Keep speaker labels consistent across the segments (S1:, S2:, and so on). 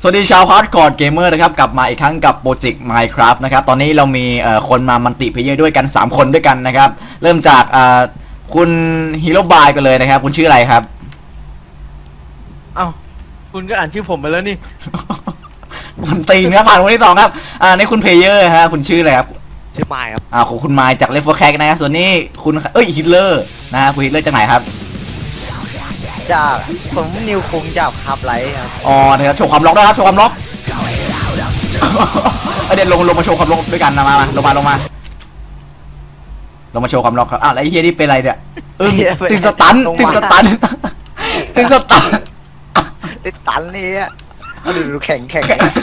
S1: สวัสดีชาวฮาร์ดคอร์เกมเมอร์นะครับกลับมาอีกครั้งกับโปรเจกต์ Minecraft นะครับตอนนี้เรามีคนมามัลติเพลเยอร์ด้วยกัน3คนด้วยกันนะครับเริ่มจากคุณฮีโร่บายกันเลยนะครับคุณชื่ออะไรครับ
S2: เอ้าคุณก็อ่านชื่อผมไปแล้วนี่
S1: คุณตีนครับผ่านคนที่2ครับนี่คุณเพลเยอร์ฮะคุณชื่ออะไรครับ
S3: ชื่อไมค์ครับ
S1: ของคุณไมค์จากเลฟเวอร์แคกนะครับส่วนนี้คุณฮิตเลอร์นะฮะคุณฮิตเลอร์จากไหนครับ
S4: จากผมนิวคุงจากฮับไลท์ครับ
S1: อ๋อนะครับโชว์ความล็อกด้วยครับโชว์ความล็อก เดี๋ยวลงมาโชว์ความล็อกด้วยกันนะมาลงมาลงมาโชว์ความล็อกครับแล้วไอ้เฮียนี่เป็นอะไรเนี่ยติดสตันติดสตันติดสตัน
S4: ติดตันนี่อ่ะดูแข็ง
S1: แข็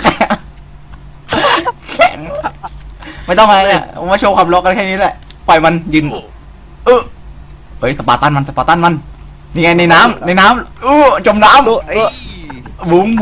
S1: งไม่ต้องอะไรเนี่ยมาโชว์ความล็อกกันแค่นี้แหละปล่อยมันยืนเฮ้ยสปาร์ตันมันนี่ไงในน้ำจมน้ำบุ๋ง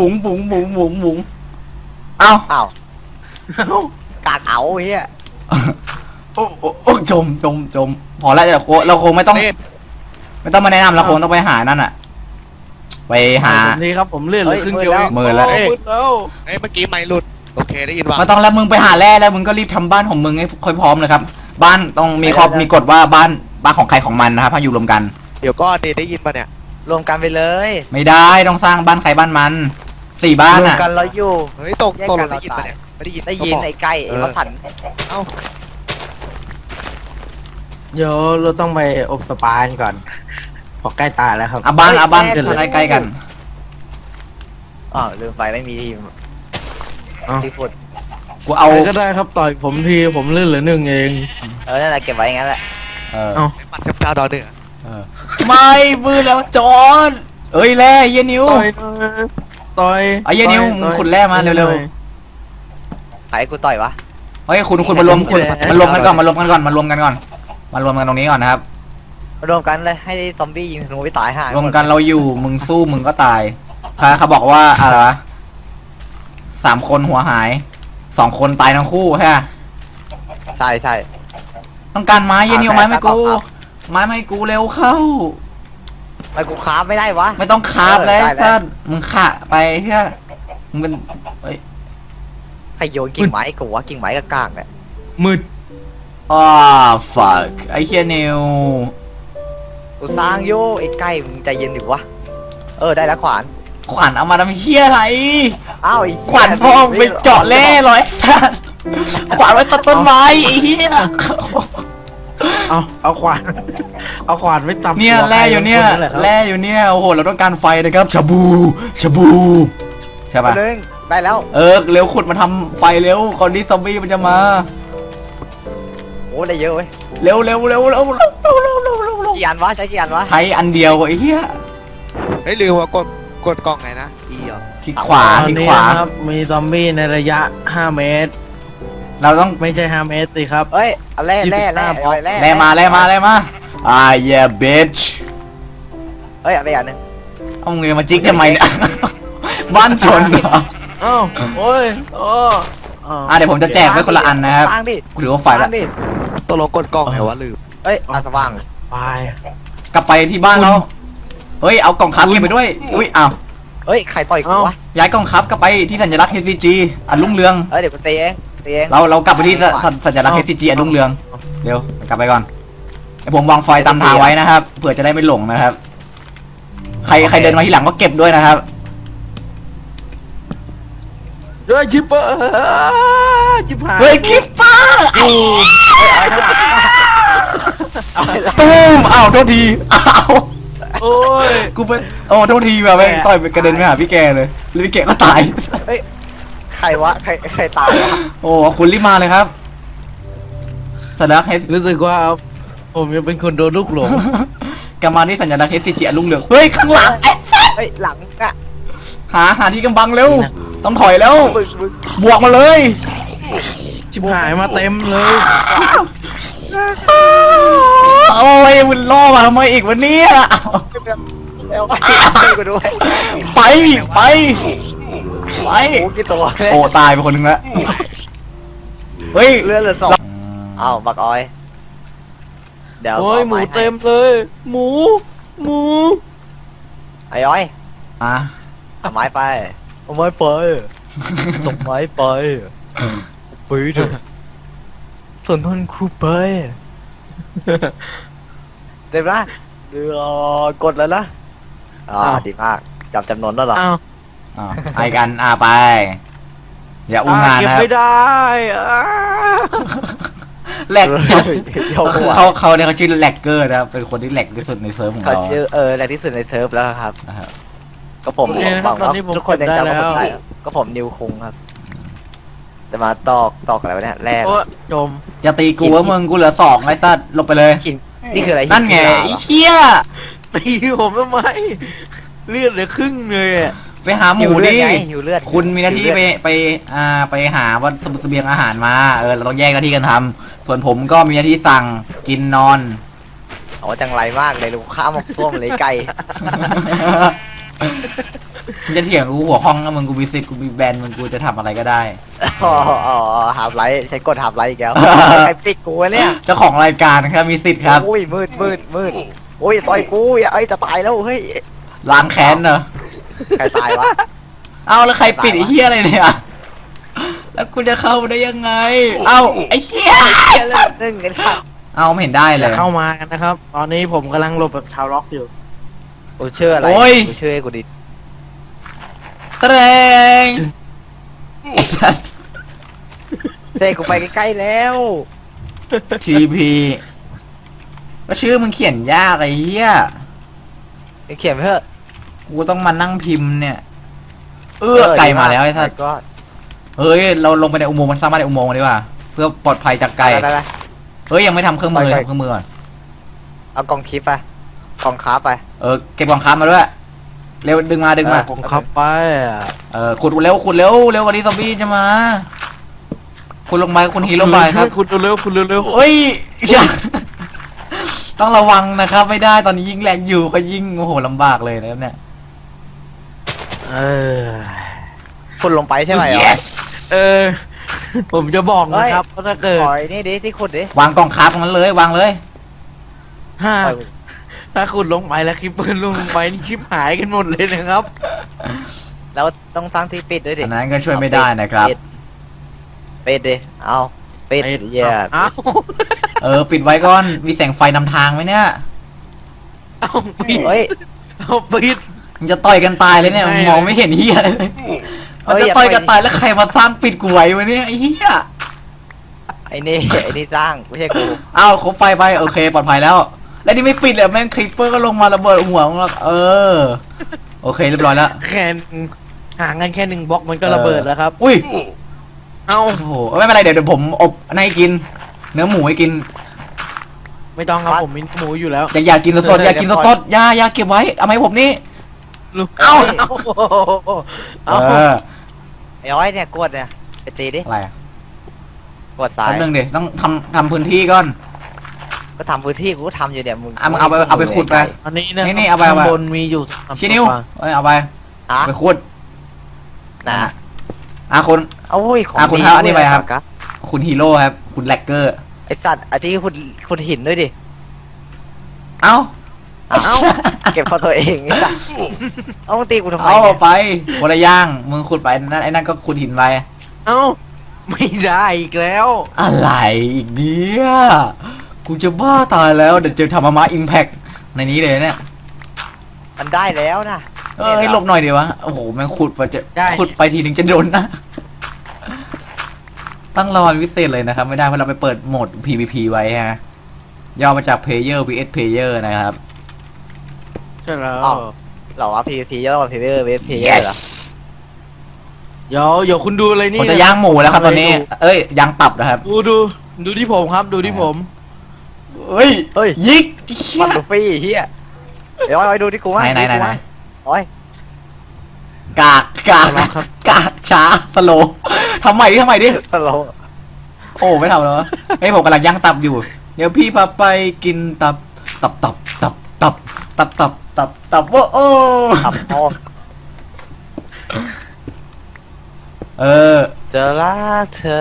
S1: เอ้า
S4: อ้าวกากเอาเฮีย
S1: โอ้จมพอแล้วเราคงไม่ต้องมาแนะนำเราคงต้องไปหานั่นอะไปหา
S2: นี่ครับผมเลื่อนเหลยครึ่งเดียว
S1: มือแล้ว
S2: มืดแล้ว
S3: เมื่อกี้ไมค์หลุดโอเคได้ยินว่า
S1: มาต้องแล้วมึงไปหาแร่แล้วมึงก็รีบทำบ้านของมึงให้ค่อยพร้อมเลยครับบ้านต้องมีกฎว่าบ้านของใครของมันนะครับให้อยู่รวมกัน
S3: เดี๋ยวก็ได้ยินป่ะเนี่ย
S4: รวมกันไปเลย
S1: ไม่ได้ต้องสร้างบ้านใครบ้านมัน4 บ้าน
S4: รวม
S1: อ่ะ
S4: กันเราอยู่
S3: เฮ้ยตกลงได้ยินป่ะเนี่ยไม่ได้ยิน
S4: ได้ยินไอ้ไก่ไอ้วัสัน
S3: เอ้า
S2: เดี๋ยวเราต้องไปอบสปากันก่อนพอใกล้ตายแล้วครับ
S1: บ้านใกล้ๆกัน
S4: อ๋อลืมไปไม่มีทีม
S2: เอ้า
S4: ที่ฟุต
S1: กูเอา
S2: ใครก็ได้ครับต่อยผมทีผมเลื่อนเหลือ1เอง
S4: นั่นแหละเก็บไว้งั้นแหละ
S1: เออ
S2: เอ้า
S3: ปัดเทพเจ้าดาวเหนือ
S1: ไม่มือแล้วจอนเอ้ยแร่เยนิว
S2: ต่อย
S1: ไอ้เหี้ยนิ้วมึงขุดแร่มาเร็ว
S4: ใครกูต่อยวะ
S1: เฮ้ยคุณมารวมกันก่อนมารวมกันตรงนี้ก่อนนะครับ
S4: มารวมกันเลยให้ซอมบี้ยิงธนูไปตายห่าร
S1: วมกันเราอยู่มึงสู้มึงก็ตายเขาบอกว่าอะไรวะ3 คนหัวหาย2 คนตายทั้งคู่ใช่ไหม
S4: ใช่
S1: ต้องการไม้เยนิวไม้ไม่กูเร็วเข้า
S4: ไม่กูคราฟไม่ได้วะ
S1: ไม่ต้องคาบเลย
S4: ได้
S1: ท่านมึงขะไปเฮียมึงเป็น
S4: ใครโยนกิ่งไม้กูวะกิ่งไม้กกากเนี่ย
S2: มืด
S1: fuck ไอ้เฮียนิว
S4: กูสร้างโยไอ้ไก่มึงใจเย็นดิวะได้แล้วขวาน
S1: ขวัญเอามาทำเฮียอะไร
S4: อ้าวไอ้เหี้ย
S1: ขวัญพ่อไปเจาะแร่ร้อยขวัญไว้ตัดต้นไม้ไอ้เฮีย
S2: เอาขวานไว้ตำ
S1: เนี่ย
S2: หัว
S1: แร่อยู่เนี่ย
S2: ใครคแหละครับ
S1: แร่อยู่เนี่ยโอ้โหเราต้องการไฟนะครับชาบูใช่ปะ
S4: นึงได้แล้ว
S1: เร็วขุดมาทำไฟเร็วก่อนที่ซอมบี้มันจะมา
S4: โอ้ได้เยอะเว้ย
S1: เร็ว
S4: กี่อันวะใช้กี่อันวะ
S1: ใช้อันเดียวไอ้เหี้ย
S3: เฮ้ยลืมว่ากดกล่องไงนะ E เหรอ
S1: คลิกขวา
S2: ตอน
S1: คลิก
S2: นี้
S1: ขวา
S2: นะครับมีซอมบี้ในระยะ5 เมตร
S1: เราต้อง
S2: ไม่ใช่5 เมตรสิครับ
S4: เอ้ยเอาแร่
S1: แร่มาbitch
S4: เอ้ยเอาไปอันหนึง
S1: เอาเงินมาจิกทำไมเนี่ย บ้านชนเหรอ
S2: เอ้าโอ้ย
S1: เดี๋ยวผมจะแจกไว้คนละอันนะครับ
S4: สร้างดิ
S1: กูถือว่าไฟ
S4: ส
S1: แล้
S4: ร้าง
S1: ว
S4: ดิ
S3: ตกลงกดกล่องไงวะลืม
S4: เอ้ยสว่าง
S2: ไป
S1: กลับไปที่บ้านเราเฮ้ยเอากล่องคับเก็บไปด้วยอุ้ยอ้าว
S4: เอ้ยใครต่อยกูวะ
S1: ย้ายกล่องคับกลับไปที่สัญลักษณ์ HCG อันรุ่งเรือง
S4: เอ้ยเดี๋ยวกูตีเอง
S1: เรากลับไปที่สัญลักษณ์ HCG อันรุ่งเรืองเร็วกลับไปก่อนเดี๋ยวผมวางไฟตามทางไว้นะครับเผื่อจะได้ไม่หลงนะครับใครเดินมาที่หลังก็เก็บด้วยนะครับ
S2: ด้วยชิปเปอร์ชิปหาย
S1: เฮ้ยคิปเปอร์
S4: เอาไปละ
S1: ตูมอ้าวโทษทีอ้าว
S2: โอ้ย
S1: กูเป็นโอ้โทษทีแบบแม่งต่อยไปกระเด็นไปหาพี่แกเลยแล้วพี่แกก็ตาย
S4: เอ้ยใครวะใครตายวะ
S1: โอ้คุณรีบมาเลยครับสัญลักษณ์
S2: รู้สึกว่าผมยังเป็นคนโดนลูกหลง
S1: กำมาที่สัญลักษณ์ HCG อันรุ่งเรืองเฮ้ยข้างหลัง
S4: เฮ้ยหลังอ่ะ
S1: หาที่กำบังเร็วต้องถอยแล้ว
S4: มึง
S1: บวกมาเลย
S2: ชิบหายมาเต็มเลย
S1: โอ้ยมันล่อมาทำไมอีกวันนี้
S4: เอาไปช่วยกูด้วย
S1: ไป
S4: โอ้กี่ตัวเนี่ย
S1: โอ้ตายไปคนหนึงแล้วเฮ้ย
S4: เลือดเหลือ2อ้าวบักออยเดี๋ยว
S2: โอ้ยหมูเต็มเลย หมู
S4: ไอ้อ้อย
S1: อ่ะ
S4: เอาไม้ไปเอาไม้ไปส่งไม้ไปไปเถอะส่วนมันคูไปเต็มละเดี๋ยวกดแล้วนะดีมากจับจำนวนแล้วเหรอ
S2: อ้าว
S1: ไปกันไป อย่าอุ้งงาน
S2: เก็บ
S1: นะครับ
S2: ไม่ได้
S1: แหลก
S4: เดี๋ยวหัว
S1: เขาเนี่ยเขาชื่อแหลกเกอร์นะครับเป็นคนที่แหลกที่สุดในเซิร์ฟของ
S4: เขา
S1: เรา
S4: ชื่อแรงที่สุดในเซิร์ฟแล้วครับ
S1: นะครับ
S4: ก็ผมบอกว่าทุกคนยังจำว่าผมได้ก็ผมนิวคุงครับจะมาตอกอะไรวะเนี่ยแร่
S2: โอ้จม
S1: อย่าตีกูว่ามึงกูเหลือ2ไอ้สัตว์ลงไปเลย
S4: หินนี่คืออะไร
S1: นั่นไงไอ้เหี้ย
S2: ตีผมทำไมเลือดเหลือครึ่งเลยอะ
S1: ไปหาห
S4: หิ
S1: มู
S4: วเลือด
S1: ดิ
S4: ไงหิวเลือด
S1: คุณมีหน้าที่ไปหาวัตถุเสบียงอาหารมาเราต้องแยกหน้าที่กันทำส่วนผมก็มีหน้าที่สั่งกินนอน
S4: โอ้จังไรมากเลยลูกข้ามหมกส้วมเลยไก่
S1: มึงจะเถียงกูหัวห้องนะมึงกูมีสิทธิ์กูมีแบรนด์มึงกูจะทำอะไรก็ได้
S4: อ๋อหาบไลท์ใช้กดหาบไลท์อีกแล้วใครปิดกูวะเนี่ย
S1: เจ้าของรายการนะครับมีสิทธิ์ครับ
S4: โอ้ยมืดโอ้ยต่อยกูไอ้จะตายแล้วเฮ้ย
S1: ล้างแค้นเนอะ
S4: ใครตายวะ
S1: เอาแล้วใครปิดไอ้เหี้ยอะไรเนี่ยแล้วกูจะเข้าได้ยังไง เอาไอ้เหี้ย
S4: นึ่งกันค่ะ
S1: เอาไม่เห็นได้เล
S2: อย่าย เข้ามากันนะครับ ตอนนี้ผมกำลังหลบแบบชาวล็อกอยู่
S4: กูเชื่ออะไร
S1: โอ้ย
S4: กูเชื่อให้กูดิ
S1: แตรง
S4: เซกูไปใกล้ๆแล้ว
S1: ทีพีก็ชื่อมึงเขียนยากไอ้เหี้ย
S4: เขียนไปเถอะ
S1: กูต้องมานั่งพิมพ์เนี่ยไก่มาแล้วไอ้ท่าน
S4: ก็
S1: เฮ้ยเราลงไปในอุโมงค์มันสร้างบ้านในอุโมงค์ดีกว่าเพื่อปลอดภัยจากไก่
S4: ไป
S1: เฮ้ยยังไม่ทำเครื่องมือ
S4: ไป
S1: ทำเครื่องมือก่อน
S4: เอากล่องคลิปไปกล่องคาร์บไป
S1: เก็บกองค้ามาด้วยเร็วดึงมา
S2: ผมขับไปอะ
S1: ขุดเร็วกว่านี้ซอมบี้จะมาคุณลงไปคุณฮีโร่ไปครับ
S2: คุณเร็วๆคุณเร็ว
S1: เฮ้ยอย่าต้องระวังนะครับไม่ได้ตอนนี้ยิงแรงอยู่ก็ยิงโอ้โหลำบากเลยนะครับเนี่ย
S2: ๆเออ
S4: คุณลงไปใช่ไหม
S1: yes
S2: เออ ผมจะบอกนะครับว่าถ้าเกิด
S4: ปล่อยนี่ดิที่ขุดดิ
S1: วางกองค้าตรงนั้นเลยวางเลย
S2: ถ้าคุณลงไปแล้วคลิปเปิลลงไปนี่คลิปหายกันหมดเลยนะครับ
S4: แล้วต้องสร้างที่ปิดด้วยดิ
S1: อันนั้นก็ช่วยไม่ได้นะครับ
S4: ปิดดิเอาปิดเหี้ย
S2: เอ้า
S1: ปิดไว้ก่อนมีแสงไฟนำทางไหมเนี่ย
S2: เอาปิด
S4: เฮ้ย
S2: เอาปิด
S1: มึงจะต่อยกันตายเลยเนี่ย
S2: ไม่
S1: มองไม่เห็นเฮียเลย
S4: เฮ้
S1: มัน
S4: ย
S1: จะ
S4: อย่า
S1: ต่อย
S4: ต่อย
S1: กันตายแล้วใครมาสร้างปิดกูไว้วะเนี่ยไอ้เฮีย
S4: ไอ้นี่สร้างไม่ใช่กู
S1: อ้าวครบไฟไปโอเคปลอดภัยแล้ว แล้วนี่ไม่ปิดเลยแม่งคลิปเปอร์ก็ลงมาระเบิดหัวของเราโอเคเรียบร้อยแล้ว
S2: แค่ห่างกันแค่1 บล็อกมันก็ระเบิดแล้วครับ
S1: อุ้ย
S2: เอ้า
S1: โอ้โหไม่เป็นไรเดี๋ยวผมอบให้กิน เนื้อหมูให้กิน
S2: ไม่ต้องครับผมมีหมูอยู่แล้ว
S1: อยากกินสดๆอยากกินสดๆอย่าเก็บไว้เอามาให้ผมนี่
S2: ลูก
S1: เอ้า
S2: เอา
S4: ไอ้อ้อยเนี่ยกดเนี่ยไปตีดิ
S1: อะไรอะ
S4: กดซ้าย
S1: แป๊บนึงดิต้องทำพื้นที่ก่อน
S4: ก็ทำพื้นที่กูก็ทำอยู่เนี่ยมึง
S1: มึงเอาไปขุดไป
S2: อันนี้นะ
S1: นี่เอาไป
S2: ข้างบนมีอยู่3
S1: ชินิวเอาไป
S4: ฮะ
S1: ไปขุด
S4: นะ
S1: คุณ
S4: โอ้ยของ
S1: คุณ
S4: ดี
S1: เอาอันนี้ไปครับ
S4: ครับ
S1: คุณฮีโร่ครับ คุณแลกเกอร์
S4: ไอสัตว์ไอที่ขุดหินด้วยดิ
S1: เอ้า
S4: เอาเก็บเข้าตัวเองไอ้สัตว์เอามึงตีกูทำไม
S1: เอา
S4: เนี่ย
S1: ไปคนละย่างมึงขุดไปนั่นไอ้นั่นก็ขุดหินไป
S2: เอ้าไม่ได้อีกแล้ว
S1: อะไรอีกเนี่ยกูจะบ้าตายแล้วเดี๋ยวจะทำมาอิมแพคในนี้เลยเนี่ย
S4: มันได้แล้วนะ
S1: ให้หลบหน่อยดีวะโอ้โหแม่งขุดไปจะขุดไปทีนึงจะโดนนะตั้งรอพิเศษเลยนะครับ ไม่ได้เพราะเราไปเปิดโหมด PVP ไว้ฮะย่อมาจาก Player vs Player นะครับ
S2: ใช่แล้ว
S4: หรอวะ PVP ย่อมา PVP vs PVP เหรอ
S2: เดี๋ยวคุณดูอะไรนี่
S1: ผมจะย่างหมูแล้วครับตอนนี้ ย่างตับนะครับ
S2: ดูที่ผมครับดูที่ผม
S1: เฮ้ย
S4: เฮ้ย
S1: ยิก
S4: มันลูฟี่เฮียเดี๋ยวเอาดูที่กูว่า
S1: ไหน
S4: โอ้ย
S1: กากช้าสโลทำใหม่ดิ
S4: สโลว์
S1: โอ้ไม่ทำแล้วเฮ้ยผมกำลังย่างตับอยู่ เดี๋ยวพี่พาไปกินตับว่าโอ้
S4: ขับออก จะรักเธอ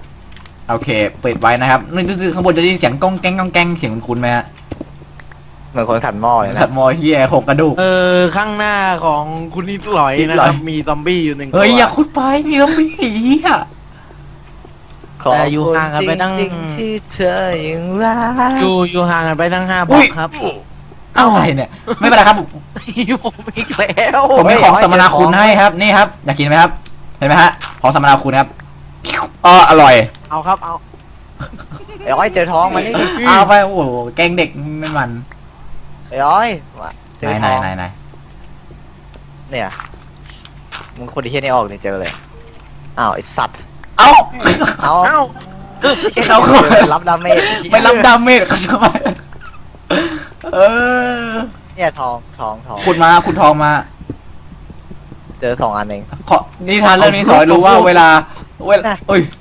S1: โอเคเปิดไว้นะครับนี่คือข้างบนจะได้ยินเสียงก้องแกงเสียงคุ้นๆไหมฮะ
S4: เหมือนคนขัดหม้อเลย
S1: ขั
S4: นะ
S1: ดมอเฮียหกกระดูก
S2: ข้างหน้าของคุณนิดหลอย
S1: นิด
S2: นะ
S1: หล
S2: ค
S1: อย
S2: รับมีซอมบี้อยู่หนึ่งตัว
S1: เฮ้ยอย่าขุดไปมีต้องมีเฮีย
S2: แต่อยู่ห่างกันไปตั้ง
S4: จริงๆที่เธอยังรัก
S2: อยู่ห่างกันไปตั้ง5 บล็อกครับ
S1: อะไรเนี่ยไม่เป็นไรครับ
S2: ผมอีกแล้ว
S1: ผมมีของสมนาคุณให้ครับนี่ครับอยากกินไหมครับเห็นไหมฮะของสมนาคุณครับอร่อย
S2: เอาครับเอา
S4: ไอ้อ้อยเจอท้องมันนี่
S1: เอาไปโอ้โหแกงเด็กไม่มัน
S4: ไอ้อ้อยมาเจอ
S1: ไหน
S4: ท้อง
S1: ไหน
S4: เนี่ยมึงคนที่เฮียนี่ออกเนี่ยเจอเลยอ้าวไอ้สัตว์
S1: เอ้า
S4: เอา
S2: เอ้า
S1: เขา
S4: รับดาเมจ
S1: ไม่รับดาเมจเขาทำไมเออ
S4: เนี่ยทอง
S1: ขุดมาขุดทองมา
S4: เจอ2 อันเอง
S1: ขอนิทานเรื่องนี้สอนให้รู้ว่าเวลาเอ้ย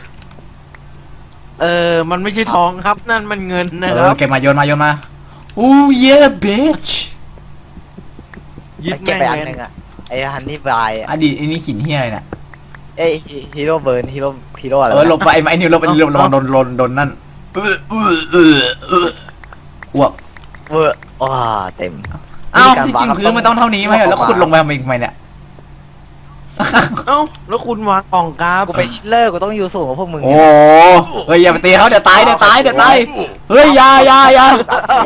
S2: มันไม่ใช่ทองครับนั่นมันเงินนะ
S1: เอ
S2: ค
S1: อ
S2: รับ
S1: เก็บมาโยนมาอู้เย่เบช
S2: ยึด
S4: เก็บ
S2: แม่ง
S4: ไปอัน
S2: เลย
S4: หนึงอ่ะไอ้ฮันนี่บาย
S1: อดีตไอ้นี่หินเฮียเนี่ย
S4: เอ้ยฮีโร่เบิร์นฮีโร่อะไร
S1: หลบไปไอ้นิวหลบไอ้นิวระวังโดนนั่นอ้วก
S4: เวอร์ว้าเต็ม
S1: อ้าวที่จริงพื้นมันต้องเท่านี้ไหมแล้วขุดลงไปทำไมเนี่ย
S2: เอ้าแล้วคุณวางกล่องกราฟ
S4: กูเป็นฮิตเลอร์กูต้องอยู่สูงกว่าพวกมึง
S1: โอ้เฮ้ยอย่าไปตีเขาเดี๋ยวตายเฮ้ยอย่า
S2: อย่า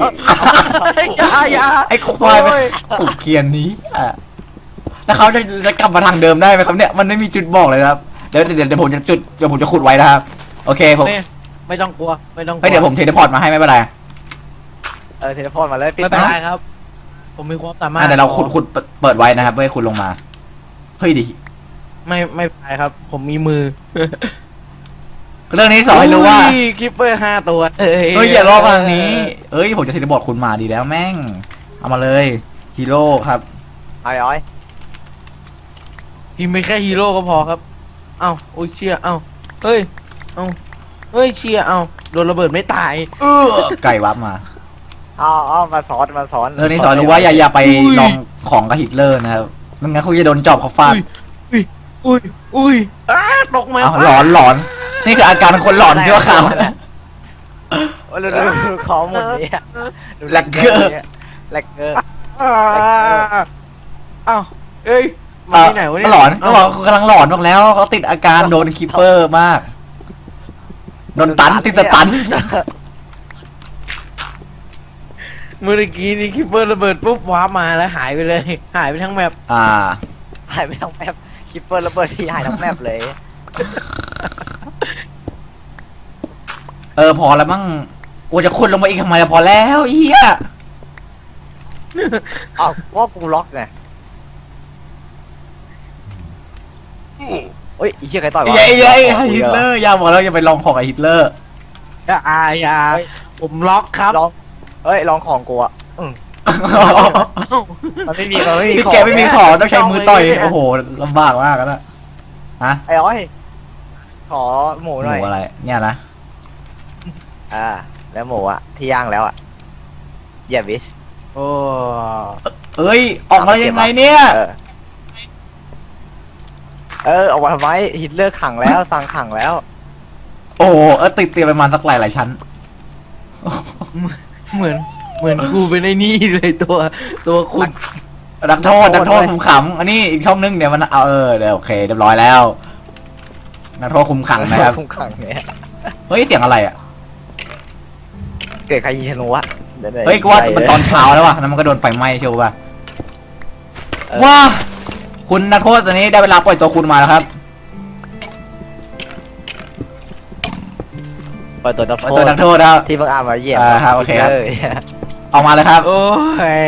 S1: ไอ้ควายไปถูกเคียนนี้อ่ะแล้วเขาจะกลับมาทางเดิมได้ไหมครับเนี่ยมันไม่มีจุดบอกเลยครับเดี๋ยวผมจะขุดไว้นะครับโอเคผม
S2: ไม่ต้องกลัวไม่ต้องกลัว
S1: เฮ้ยเดี๋ยวผมเทเลพอร์ตมาให้ไม่เป็นไร
S4: เทเลพอร์ตมาเลย
S2: ไม่เป็นไรครับ ผมมีความสามารถ
S1: เดี๋ยวเราขุดเปิดไว้นะครับเพื่อให้คุณลงมาเฮ้ยดิ
S2: ไม่เป็นไรครับ ผมมีมือ
S1: เรื่องนี้สอนให้รู้ว่า
S2: คิปเปอร์5 ตัว
S1: เฮ้ยอย่ารอทางนี้เอ้ยผมจะเทเลพอร์ตคุณมาดีแล้วแม่งเอามาเลยฮีโร่ครับ
S4: เอาไอ้อ้อย
S2: พิมพ์ไปแค่ฮีโร่ก็พอครับ เอ้าโอ้ยเชียเอ้าเฮ้ยเอ้าเฮ้ยเชียเอ้าโดนระเบิดไม่ตาย
S1: ไก่วับมา
S4: เอามาสอน
S1: เรื่องนี้สอนรู้ว่าอย่าไปลองของกับฮิตเลอร์นะครับไม่งั้นคุณจะโดนจอบเขาฟาด
S2: อุ้ยตกมา
S1: อ้าวหลอนนี่คืออาการคนหลอนชั่วคราวนะ
S4: โอ้ยดูข้อมูลนี้ดู
S1: แลกเกอร์
S4: แลกเกอร์
S2: อ้าวเอ้ยมาที่ไหนวะเนี่ย
S1: หลอนเขาบอกเขากำลังหลอนมากแล้วเขาติดอาการโดนคิปเปอร์มากโดนติดสตัน
S2: เมื่อกี้นี่คิปเปอร์ระเบิดปุ๊บว้าร์ปมาแล้วหายไปเลย หายไปทั้งแมป
S4: หายไปทั้งแมปคิปเปอร์ระเบิดที่หายทั้งแมปเลย
S1: พอแล้วมั้งกูจะขุดลงมาอีกทำไมล่ะพอแล้วเอี้ย
S4: อ้าวว่ากูล็อกไงเฮ้ยไอ้เหี้ยใครต่อยวะ
S1: ฮิตเลอร์อย่าบอกแล้วอย่าไปลองของกับฮิตเลอร์
S2: อย่าผมล็อกครับ
S4: ลองลองของกูอ่ะมันไม่มี
S1: พี่
S4: ของ
S1: แกไม่มีของต้องใช้มือต่อยโอ้โหลำบากมากแล้วฮะ
S4: ไอ้อ้อยขอหมู
S1: ห
S4: หน่อย
S1: มูอะไรเนี่ยนะ
S4: แล้วหมูอ่ะที่ย่างแล้วอ่ะอย่าวิช
S2: โอ้
S1: เอ้ยออกมายังไงเนี่ย
S4: ออกมาทำไมฮิตเลอร์ขังแล้วสั่งขังแล้ว
S1: โอ้โหติดเตียงประมาณสักหลายชั้น
S2: เหมือนกูเป็นไอ้นี่เลยตัวคุณ
S1: นักโทษคุมขังอันนี้อีกช่องนึงเดี๋ยวมันเอาเดี๋ยวโอเคเรียบร้อยแล้วนักโทษคุมขังนะครับ
S4: คุมขังเนี่ย
S1: เฮ้ยเสียงอะไรอ่ะ
S4: เกิดใครยิงธนูวะ
S1: เฮ้ยกูว่ามันตอนเช้าแล้วว่ะแล้วมันก็โดนไฟไหม้เชียวป่ะว้าคุณนักโทษตอนนี้ได้เวลาปล่อยตัวคุณมาแล้วครับ
S4: เปิดตัวนัก
S1: ปล่อย
S4: โท
S1: ตัว
S4: ษ
S1: นักโทษครับ
S4: ที่เพิ่งอ่านมาเหยียบ
S1: ครับโอเคครับ ออกมาเลยครับ
S2: โอ้ย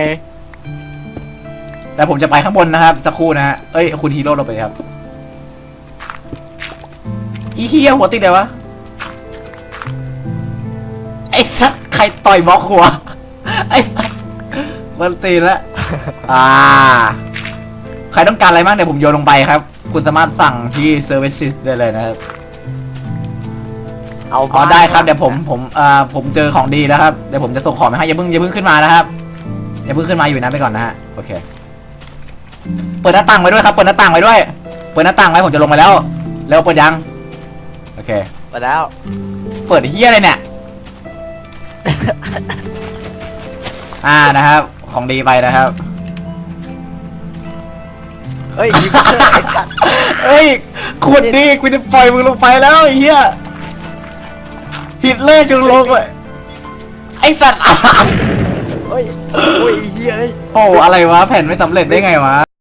S1: แต่ผมจะไปข้างบนนะครับสักครู่นะฮะเอ้ยคุณฮีโร่เราไปครับอีเฮียหัวติดเลยวะไอ้สัตว์ใครต่อยบล็อกหัวไอ้สัตว์มันตีแล้วใครต้องการอะไรบ้างเดี๋ยวผมโยนลงไปครับ คุณสามารถสั่งที่ Services ได้เลยนะครับเอาได้ครับเดี๋ยวผมเจอของดีแล้วครับเดี๋ยวผมจะส่งของไปให้อย่าเพิ่งขึ้นมานะครับอย่าเพิ่งขึ้นมาอยู่นะไปก่อนนะฮะโอเคเปิดหน้าต่างไว้ด้วยครับเปิดหน้าต่างไว้ด้วยเปิดหน้าต่างไว้ผมจะลงมาแล้วเปิดยังโอเค
S4: มาแล้ว
S1: เปิดเฮียอะไรเนี่ยนะครับ ของดีไปนะครับ
S4: เฮ้ยยิงเถอะไอ้สัตว์
S1: เอ้ยขวดดีกูจะปล่อยมึงลงไปแล้วไอ้เหี้ยฮิตเลอร์จงลงเลยไอ้สัตว์
S4: เฮ้ยโอ้ยไอ้เหี้ยเอ้ย
S1: โอ้อะไรวะแผ่นไม่สำเร็จได้ไงวะ